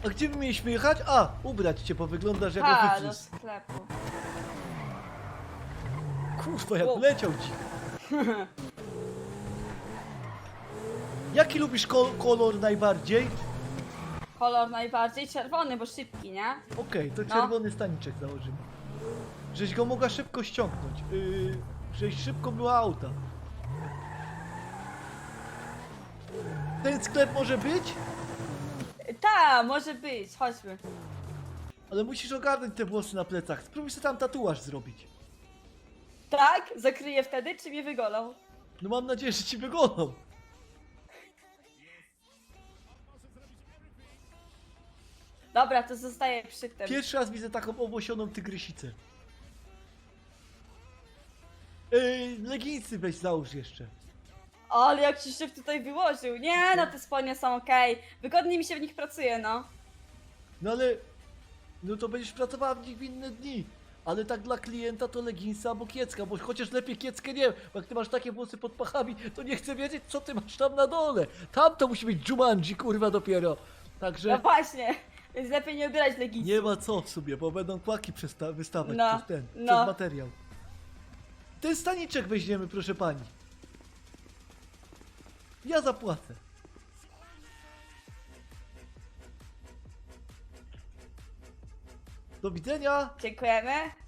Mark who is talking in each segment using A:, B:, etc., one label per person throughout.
A: A gdzie my mieliśmy jechać? A, ubrać cię, bo wyglądasz jak
B: Ha, do
A: oficjus.
B: sklepu.
A: Kurwa, jak
B: Wow.
A: leciał ci. Jaki lubisz kolor najbardziej?
B: Kolor najbardziej czerwony, bo szybki, nie?
A: Okej, to
B: No.
A: czerwony staniczek założymy. Żeś go mogła szybko ściągnąć. Żeś szybko była auta. Ten sklep może być?
B: Ta, może być, chodźmy.
A: Ale musisz ogarnąć te włosy na plecach. Spróbuj sobie tam tatuaż zrobić.
B: Tak? Zakryję wtedy, czy mnie wygolą?
A: No mam nadzieję, że ci wygoną.
B: Dobra, to zostaję przy tym.
A: Pierwszy raz widzę taką owłosioną tygrysicę. Leginsy weź załóż jeszcze.
B: Ale jak ci się tutaj wyłożył. Nie, no te spodnie są okej. Wygodnie mi się w nich pracuje, no.
A: No ale... No to będziesz pracowała w nich w inne dni. Ale tak dla klienta to leginsa albo kiecka, bo chociaż lepiej kieckę nie, bo jak ty masz takie włosy pod pachami, to nie chcę wiedzieć, co ty masz tam na dole. Tam to musi być Jumanji, kurwa, dopiero.
B: No
A: Także
B: właśnie, więc lepiej nie ubierać leginsów.
A: nie ma co w sobie, bo będą kłaki wystawać
B: No,
A: przez ten,
B: no.
A: przez materiał. Ten staniczek weźmiemy, proszę pani. Ja zapłacę. Do widzenia.
B: Dziękujemy.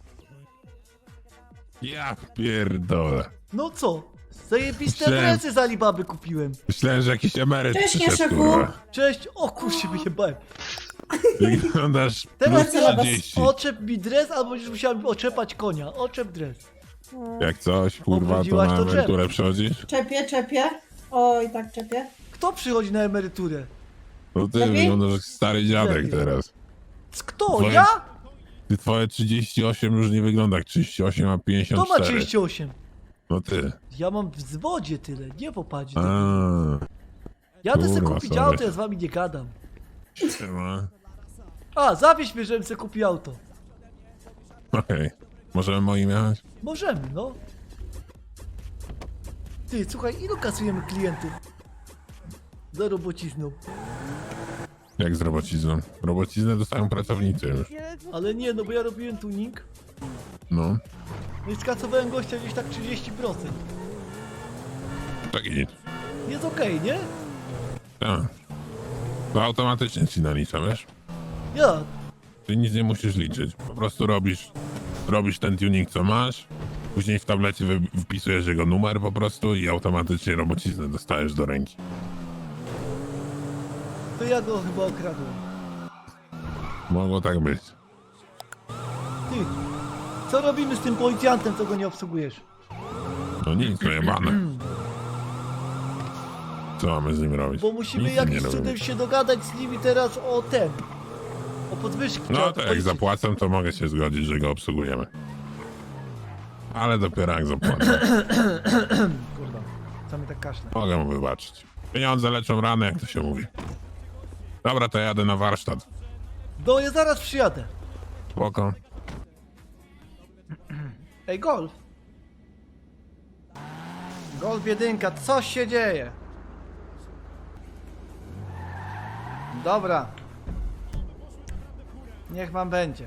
C: Ja pierdolę.
A: No co? Zajebiste
C: Myślałem-
A: adresy z Alibaby kupiłem.
C: Myślałem, że jakiś emeryt
D: Cześć,
C: przyszedł,
D: Jasiu.
C: kurwa.
A: Cześć! O kurczę, wyjebałem.
C: Wyglądasz
A: Teraz
C: plus
D: ja was
C: 30.
A: Oczep mi dres, albo będziesz musiała mi oczepać konia. Oczep dres.
C: Jak coś, kurwa, to
A: Obrudziłaś
C: na
A: to
C: emeryturę przychodzisz?
D: Czepię. Oj, tak czepię.
A: Kto przychodzi na emeryturę?
C: No ty
D: Lepiej?
C: wyglądasz jak stary dziadek
A: Lepiej.
C: teraz.
A: Kto?
C: Twoje-
A: Ja?
C: Ty twoje 38 już nie wygląda jak 38, a
A: Kto
C: 54.
A: ma 38?
C: No ty.
A: Ja mam w zwodzie tyle, nie popatrz.
C: A,
A: Jadę se
C: kurwa,
A: kupić
C: sorry.
A: auto, ja z wami nie gadam.
C: siema.
A: A, zawieź mnie, żebym se kupił auto.
C: Okej. Możemy moim jechać?
A: Możemy, no. Ty, słuchaj, ilu kasujemy klientów? Za robocizną.
C: Jak z robocizną? Robociznę dostają pracownicy już.
A: Ale nie, no bo ja robiłem tuning.
C: No.
A: No i skasowałem gościa gdzieś tak 30%.
C: Tak i
A: Jest okej, nie?
C: tak. To automatycznie ci nalicza, wiesz?
A: Ja.
C: Ty nic nie musisz liczyć. Po prostu robisz ten tuning, co masz. Później w tablecie wpisujesz jego numer po prostu i automatycznie robociznę dostajesz do ręki.
A: To ja go chyba okradłem.
C: Mogło tak być.
A: Ty, co robimy z tym policjantem, co go nie obsługujesz?
C: No nic, no jebane. Co mamy z nim robić?
A: Bo musimy
C: Nic z nim nie
A: jakimś cudem
C: robimy.
A: się dogadać z nimi teraz o ten. O podwyżki.
C: No
A: trzeba
C: to jak
A: policzyć.
C: zapłacę, to mogę się zgodzić, że go obsługujemy. Ale dopiero jak zapłacę.
A: Kurwa, co mi tak kaszle.
C: Mogę mu wybaczyć. Pieniądze leczą rany, jak to się mówi. Dobra, to jadę na warsztat.
A: No, ja zaraz przyjadę.
C: Spoko.
A: Ej, Golf. Golf jedynka, co się dzieje? Dobra. Niech wam będzie.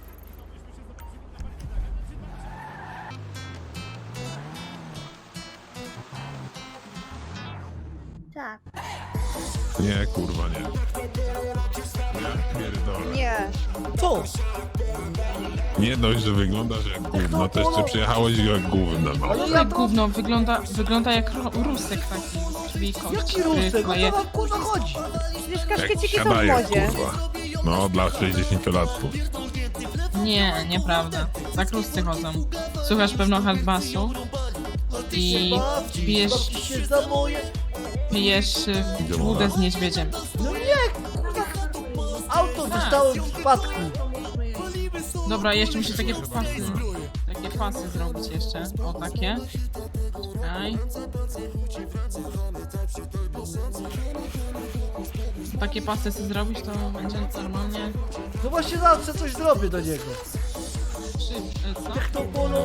E: Tak.
C: Nie, kurwa, nie. Ja pierdolę.
E: Nie.
A: Co?
C: Nie dość, że wyglądasz jak gówno, to jeszcze przyjechałeś jak gówno. No.
A: Ale ja
F: Jak
A: to...
F: gówno, wygląda jak rusek taki, czyli kość.
A: Jaki rusek? O co wam kurwa chodzi?
E: Przecież
C: Jak
E: kaszkieciki są w
C: siadaje,
E: modzie.
C: kurwa. No, dla 60-latków.
F: Nie, nieprawda. Tak ruscy chodzą. Słuchasz pewno hardbasu i
A: Babci,
F: pijesz,
A: babci się za moje...
F: wódę z niedźwiedziem.
A: No nie, kurwa. Auto zostało w spadku.
F: Dobra, jeszcze muszę takie pasy zrobić jeszcze. O, takie. Czekaj. Takie pasy sobie zrobić, to będzie normalnie...
A: No właśnie zawsze coś zrobię do niego.
F: Co?
A: Jak to polo...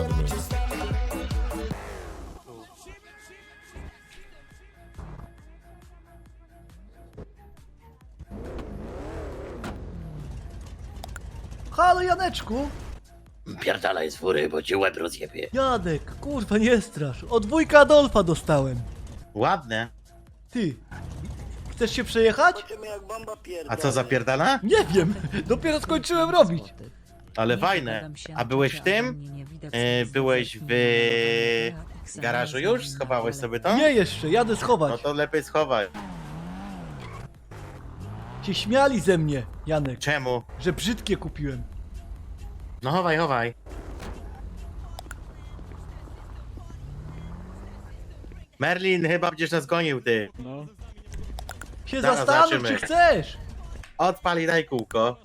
A: Halo Janeczku?
E: Pierdalaj z fury, bo ci łeb rozjebie.
A: Janek, kurwa nie strasz. Od wujka Adolfa dostałem.
G: Ładne.
A: Ty, chcesz się przejechać?
G: A co zapierdala?
A: Nie wiem, dopiero skończyłem robić.
G: Ale fajne. A byłeś w tym? Byłeś w garażu już? Schowałeś sobie to?
A: Nie jeszcze, jadę
G: No
A: schować.
G: to lepiej schowaj.
A: Się śmiali ze mnie, Janek,
G: Czemu?
A: że brzydkie kupiłem.
G: No chowaj, chowaj. Merlin, chyba będziesz nas gonił, ty.
A: Się
G: Zaraz
A: zastanów,
G: zobaczymy.
A: czy chcesz.
G: Odpal i daj kółko.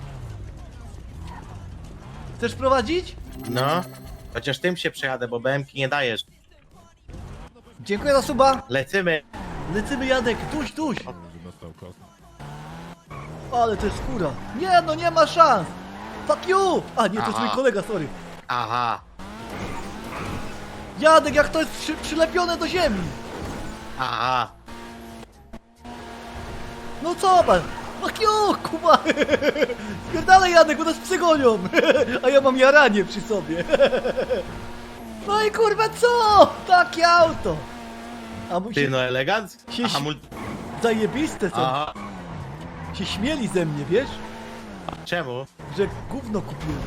A: Chcesz prowadzić?
G: No. Chociaż tym się przejadę, bo BM-ki nie dajesz.
A: Dziękuję za suba.
G: Lecimy.
A: Lecimy Janek, duś, duś.
C: Dostał kosę.
A: Ale to jest skóra. Nie no, nie ma szans. Fuck you! A nie, to jest
G: Aha.
A: mój kolega, sorry.
G: Aha.
A: Janek, jak to jest przylepione do ziemi.
G: Aha.
A: No co pan? Fuck you, kuba. Spierdalaj Janek, bo nas psy gonią. A ja mam jaranie przy sobie. No i kurwa co? Takie auto. A mój
G: Ty
A: się
G: no elegancko.
A: Się
G: Aha,
A: zajebiste są.
G: Aha.
A: Się śmieli ze mnie, wiesz?
G: Czemu?
A: Że gówno kupiłem.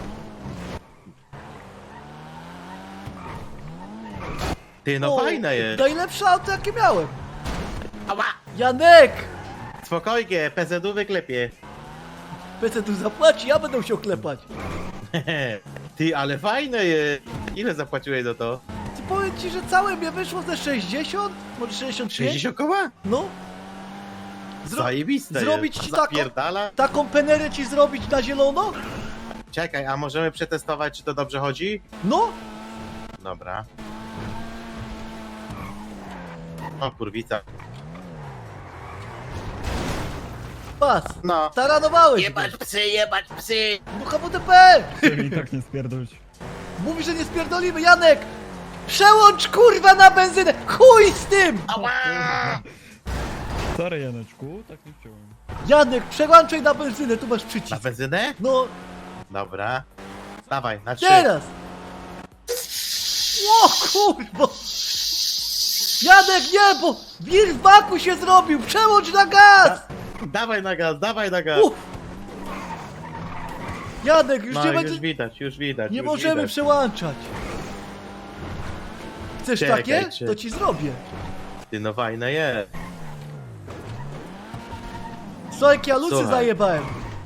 G: Ty no fajne jest.
A: Najlepsze auto jakie miałem.
G: Ała.
A: Janek!
G: Spokojnie, PZU wyklepie.
A: PC tu zapłaci, ja będę musiał klepać.
G: Ty, ale fajne jest. Ile zapłaciłeś za to?
A: Ty powiem ci, że całe mnie wyszło ze 60? Może 65?
G: 60 koła?
A: No.
G: Zajebiste
A: zrobić
G: jest.
A: ci taką-
G: Zapierdala?
A: Taką penerę ci zrobić na zielono?
G: Czekaj, a możemy przetestować, czy to dobrze chodzi?
A: No.
G: Dobra. O kurwica.
A: Pas.
G: No.
A: Taranowałeś
E: Jebać
A: go.
E: psy, jebać psy!
A: No HWDP!
H: I tak nie spierdolić.
A: Mówi, że nie spierdolimy, Janek! Przełącz kurwa na benzynę! Chuj z tym!
H: Sorry Janeczku, tak nie chciałem.
A: Janek, przełączaj na benzynę, tu masz
G: Na
A: przycisk.
G: benzynę?
A: No,
G: Dobra. Dawaj, na 3.
A: teraz! O kurwa! Janek, nie, bo wir w baku się zrobił! Przełącz na gaz!
G: Dawaj na gaz, dawaj na gaz.
A: Uff. Janek, już
G: No,
A: nie
G: już
A: będzie...
G: widać, już widać.
A: Nie
G: już
A: możemy
G: widać.
A: przełączać. Chcesz
G: Czekaj,
A: takie?
G: czy-
A: To ci zrobię.
G: Ty no fajne jest.
A: Co jak ja lucy
G: Słuchaj.
A: zajebałem?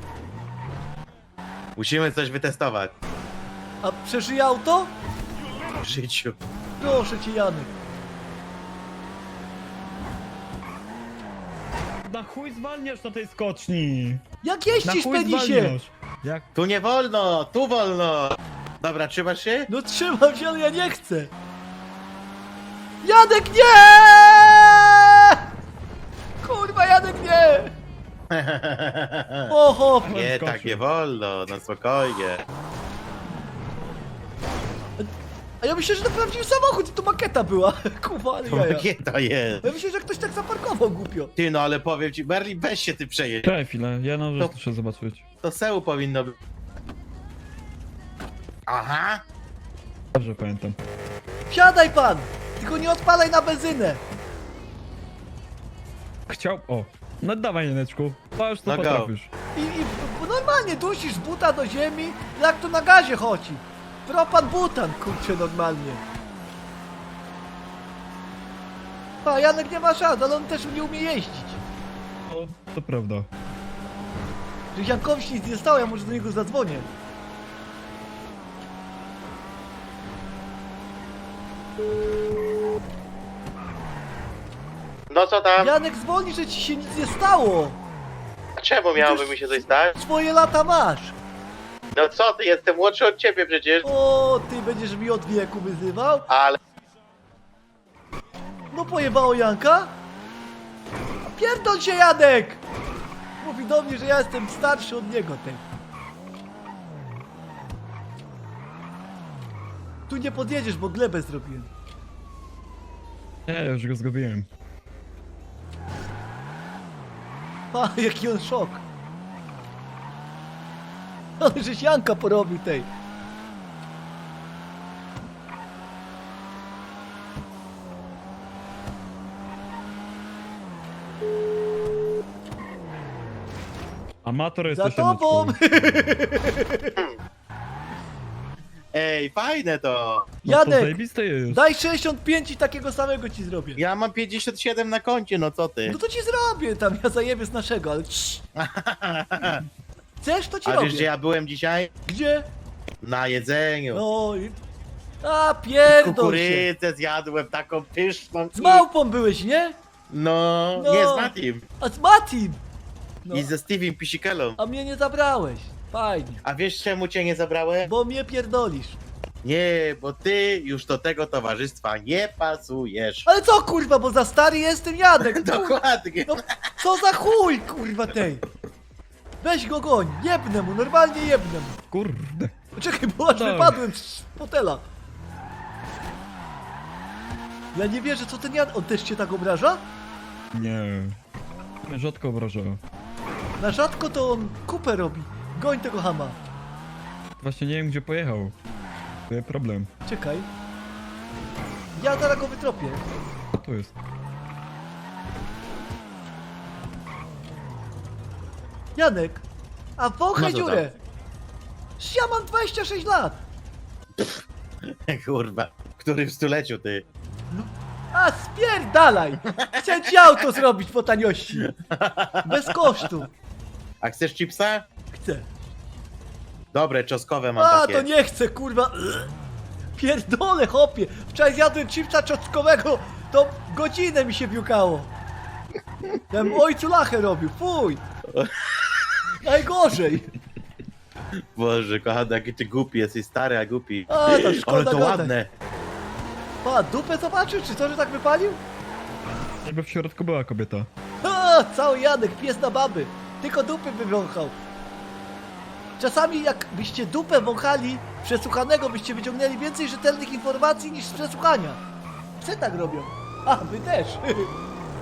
G: Musimy coś wytestować
A: A przeżyje auto?
G: w życiu.
A: Proszę cię, Janek.
H: Na chuj zwalniasz na tej skoczni!
A: Jak
H: Na
A: jeździsz,
H: chuj
A: penisie?
H: zwalniasz! Jak?
G: Tu nie wolno, tu wolno. Dobra, trzymasz się?
A: No trzymam się, ale ja nie chcę. Janek, nie! Kurwa, Janek, nie! Oho!
G: Nie,
H: Skoczył.
G: tak nie wolno, no spokojnie.
A: A ja myślę, że to prawdziwy samochód, to makieta była. Kurwa, ale jaja.
G: Jakie to jest?
A: Ja myślę, że ktoś tak zaparkował głupio.
G: Ty no, ale powiem ci, Berlin, weź się ty przejedź.
H: Czekaj chwilę, ja na
G: To-
H: rzecz muszę zobaczyć.
G: To seł powinno być. Aha.
H: Dobrze pamiętam.
A: Wsiadaj pan! Tylko nie odpalaj na benzynę.
H: Chciał... O! No dawaj Janeczku, to już to
G: No go.
H: potrafisz.
A: Bo normalnie dusisz buta do ziemi, jak to na gazie chodzi. Propan butan, kurczę, normalnie. A Janek nie ma szans, ale on też nie umie jeździć.
H: No, to prawda.
A: Że Jankowi się nic nie stało, ja może do niego zadzwonię.
G: No co tam?
A: Janek, zwolnij, że ci się nic nie stało.
G: Czemu miałoby mi się coś stać?
A: Swoje lata masz.
G: No co ty, jestem młodszy od ciebie przecież.
A: O, ty będziesz mi od wieku wyzywał?
G: Ale...
A: No pojebało Janka? Pierdol się, Janek! Mówi do mnie, że ja jestem starszy od niego, ten. Tu nie podjedziesz, bo glebę zrobiłem.
H: Nie, ja już go zgubiłem.
A: A, jaki on szok. Ale żeś Janka porobił tej.
H: Amator
A: Za
H: jesteś,
A: tobą!
H: Janeczku.
G: Ej, fajne to!
H: No to
A: Janek,
H: zajebiste jest.
A: daj 65 i takiego samego ci zrobię.
G: Ja mam 57 na koncie, no co ty?
A: No to ci zrobię tam, ja zajebię z naszego, ale cii. Chcesz, to ci
G: A
A: robię.
G: wiesz, gdzie ja byłem dzisiaj?
A: Gdzie?
G: Na jedzeniu.
A: No i... A, pierdol się.
G: Kukurydzę zjadłem taką pyszną.
A: Z małpą byłeś, nie?
G: No,
A: No.
G: nie z Matim.
A: A z Matim! No.
G: I ze Steviem Pisikelą.
A: A mnie nie zabrałeś. Fajnie.
G: A wiesz czemu cię nie zabrałem?
A: Bo mnie pierdolisz.
G: Nie, bo ty już do tego towarzystwa nie pasujesz.
A: Ale co kurwa, bo za stary jestem Janek.
G: Dokładnie.
A: No, co za chuj kurwa tej. Weź go goń, jebnę mu, normalnie jebnę mu.
H: Kurde.
A: Czekaj, bo aż
H: Tak.
A: wypadłem z fotela. Ja nie wierzę, co ten Jan... On też cię tak obraża?
H: Nie. Mnie rzadko obraża.
A: Na rzadko to on kupę robi. Goń tego chama.
H: Właśnie nie wiem, gdzie pojechał. To jest problem.
A: Czekaj. Ja zaraz go wytropię.
H: Co to jest?
A: Janek, a wąchaj
G: No co
A: dziurę. Ja mam 26 lat.
G: Kurwa, który w stuleciu ty?
A: A spierdalaj. Chcę ci auto zrobić po taniości. Bez kosztu.
G: A chcesz chipsa?
A: Chcę.
G: Dobre, czosnkowe mam
A: A,
G: takie.
A: to nie chcę, kurwa. Pierdolę, chopie. Wczoraj zjadłem chipsa czosnkowego, to godzinę mi się biukało. Ja bym ojcu lachę robił, fuj. Najgorzej.
G: Boże, kochany, jaki ty głupi jesteś, stary, a głupi.
A: A, to szkoda
G: Ale to
A: gadać.
G: ładne.
A: Pa, dupę zobaczył, czy to, że tak wypalił?
H: Jakby w środku była kobieta.
A: A, cały Janek, pies na baby. Tylko dupy wywąchał. Czasami jakbyście dupę wąchali przesłuchanego, byście wyciągnęli więcej rzetelnych informacji niż z przesłuchania. Psy tak robią. A, wy też.